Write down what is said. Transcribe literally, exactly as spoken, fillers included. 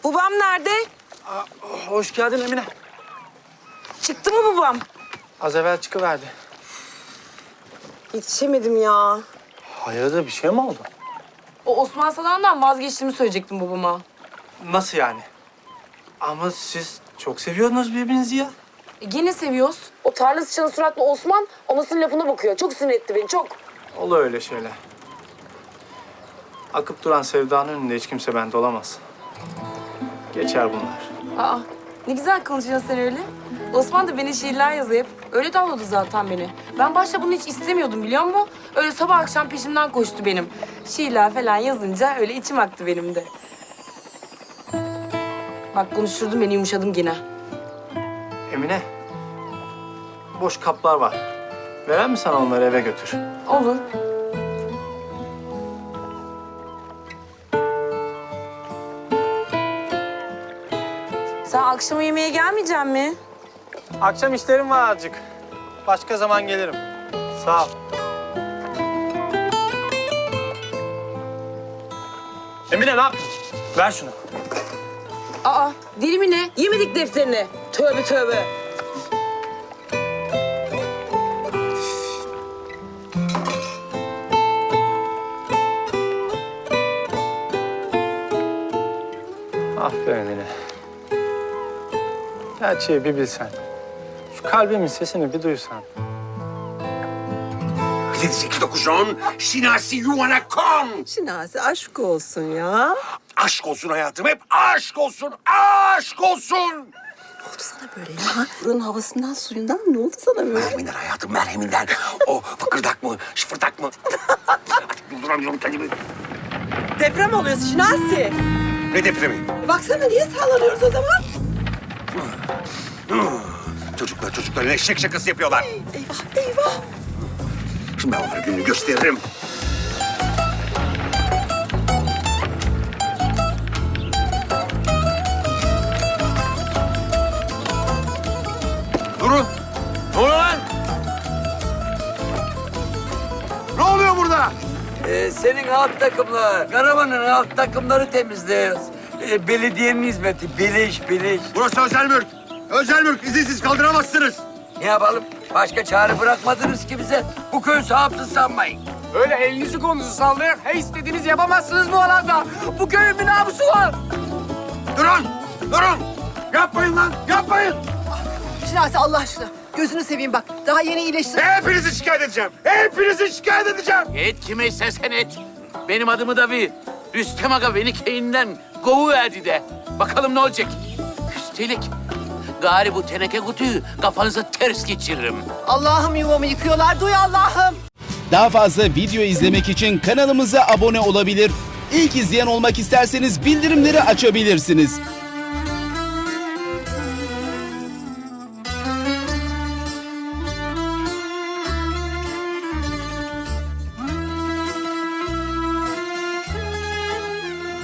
Babam nerede? Aa, hoş geldin Emine. Çıktı mı babam? Az evvel çıkıverdi. Yetişemedim ya. Hayırdır, bir şey mi oldu? O Osman Salan'dan vazgeçtiğimi söyleyecektim babama. Nasıl yani? Ama siz çok seviyordunuz birbirinizi ya. E, gene seviyoruz. O tarla sıçanı suratlı Osman anasının lafına bakıyor. Çok sinir etti beni, çok. Olur öyle şeyler. Akıp duran sevdanın önünde hiç kimse bende olamaz. Geçer bunlar. Aa, ne güzel konuşuyorsun sen öyle. Osman da beni şiirler yazıp öyle tavladı zaten beni. Ben başta bunu hiç istemiyordum biliyor musun? Öyle sabah akşam peşimden koştu benim. Şiirler falan yazınca öyle içim aktı benim de. Bak konuşturdun beni, yumuşadım gene. Emine, boş kaplar var. Veren mi sana onları, eve götür? Olur. Sen akşama yemeğe gelmeyecek mi? Akşam işlerim var azıcık. Başka zaman gelirim. Sağ ol. Emine ne yapıyorsun? Ver şunu. Aa, deli mi ne? Yemedik defterini. Tövbe tövbe. Aferin Emine. Gerçeği bir bilsen. Şu kalbimin sesini bir duysan. yedi sekiz dokuz on Şinasi yuvana kon. Şinasi aşk olsun ya. Aşk olsun hayatım, hep aşk olsun, aşk olsun. Ne oldu sana böyle ya? Buranın havasından, suyundan ne oldu sana böyle? Merheminden hayatım, merheminden. O fıkırdak mı, şıfırdak mı? Artık durduramıyorum kendimi. Deprem oluyor Şinasi. Ne depremi? Baksana niye sallanıyoruz o zaman? Çocuklar çocuklar eşek şakası yapıyorlar. Eyvah eyvah. Şimdi ben onlara gününü gösteririm. Durun. Ne oluyor lan? Ne oluyor burada? Ee, senin alt takımlar, karavanın alt takımları temizliyoruz. Ee, belediyenin hizmeti, beleş beleş. Burası özel mülk. Özel mülk, izinsiz kaldıramazsınız. Ne yapalım? Başka çare bırakmadınız ki bize. Bu köy sahipsiz sanmayın. Öyle elinizi kolunuzu sallayarak he istediğinizi yapamazsınız bu alanda. Bu köyün bir namusu var. Durun, durun. Yapmayın lan, yapmayın. Şinasi Allah aşkına gözünü seveyim bak. Daha yeni iyileştin. Hepinizi şikayet edeceğim. Hepinizi şikayet edeceğim. Et kime istersen et. Benim adımı da bir. Rüstem Aga beni keyinden kovuverdi de. Bakalım ne olacak. Üstelik gari bu teneke kutuyu kafanıza ters geçiririm. Allah'ım yuvamı yıkıyorlar. Duy Allah'ım. Daha fazla video izlemek için kanalımıza abone olabilir. İlk izleyen olmak isterseniz bildirimleri açabilirsiniz.